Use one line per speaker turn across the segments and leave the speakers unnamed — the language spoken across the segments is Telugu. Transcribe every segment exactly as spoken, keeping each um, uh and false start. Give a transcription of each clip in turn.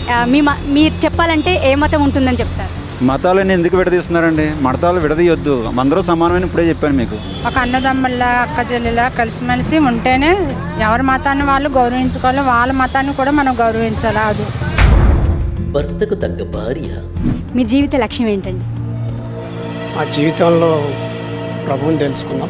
ఆ, మీ మ- మీరు చెప్పాలంటే ఏ మతం ఉంటుందని చెప్తారు?
మతాలన్నీ ఎందుకు విడదీస్తున్నారండి? మతాలు విడదీయొద్దు, అందరూ సమానమైన ఇప్పుడే చెప్పాను మీకు.
ఒక అన్నదమ్ముల్లా అక్క చెల్లెలా కలిసిమెలిసి ఉంటేనే ఎవరి మతాన్ని వాళ్ళు గౌరవించుకోవాలి, వాళ్ళ మతాన్ని కూడా మనం గౌరవించాలి. అది
భర్తకు తగ్గ భార్య.
మీ జీవిత లక్ష్యం ఏంటండి?
మా జీవితంలో ప్రభువుని తెలుసుకుందాం.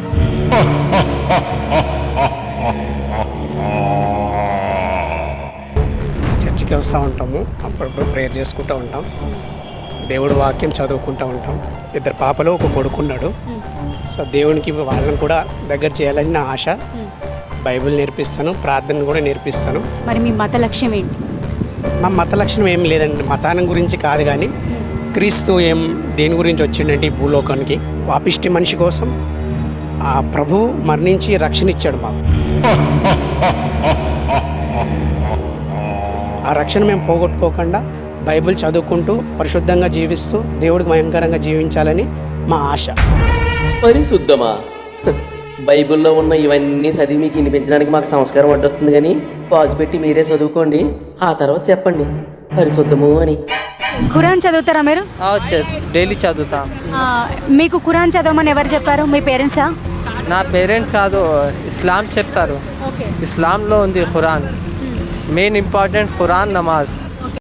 చర్చికి వస్తూ ఉంటాము, అప్పుడప్పుడు ప్రేయర్ చేసుకుంటూ ఉంటాం, దేవుడు వాక్యం చదువుకుంటూ ఉంటాం. ఇద్దరు పాపలు ఒక కొడుకున్నాడు. సో దేవునికి వాళ్ళని కూడా దగ్గర చేయాలని నా ఆశ. బైబిల్ నేర్పిస్తాను, ప్రార్థన కూడా నేర్పిస్తాను.
మరి మీ మత లక్ష్యం ఏంటి?
మా మత లక్షణం ఏం లేదండి, మతానం గురించి కాదు, కానీ క్రీస్తు ఏం దేని గురించి వచ్చిండంటే ఈ భూలోకానికి పాపిష్టి మనిషి కోసం ఆ ప్రభువు మరణించి రక్షణ ఇచ్చాడు మాకు. ఆ రక్షణ మేము పోగొట్టుకోకుండా బైబిల్ చదువుకుంటూ పరిశుద్ధంగా జీవిస్తూ దేవుడికి భయంకరంగా జీవించాలని మా ఆశ.
పరిశుద్ధమా? బైబిల్లో ఉన్న ఇవన్నీ చదివి మీకు వినిపించడానికి మాకు సంస్కారం అడ్డొస్తుంది, కానీ పాజు పెట్టి మీరే చదువుకోండి, ఆ తర్వాత చెప్పండి పరిశుద్ధము అని.
ఖురాన్ చదువుతారా మీరు?
డైలీ చదువుతా.
ఆ, మీకు ఖురాన్ చదవమని ఎవరు చెప్పారు? మీ పేరెంట్సా?
నా పేరెంట్స్ కాదు, ఇస్లాం చెప్తారు.
ఓకే.
ఇస్లాంలో ఉంది ఖురాన్. మెయిన్ ఇంపార్టెంట్ ఖురాన్, నమాజ్.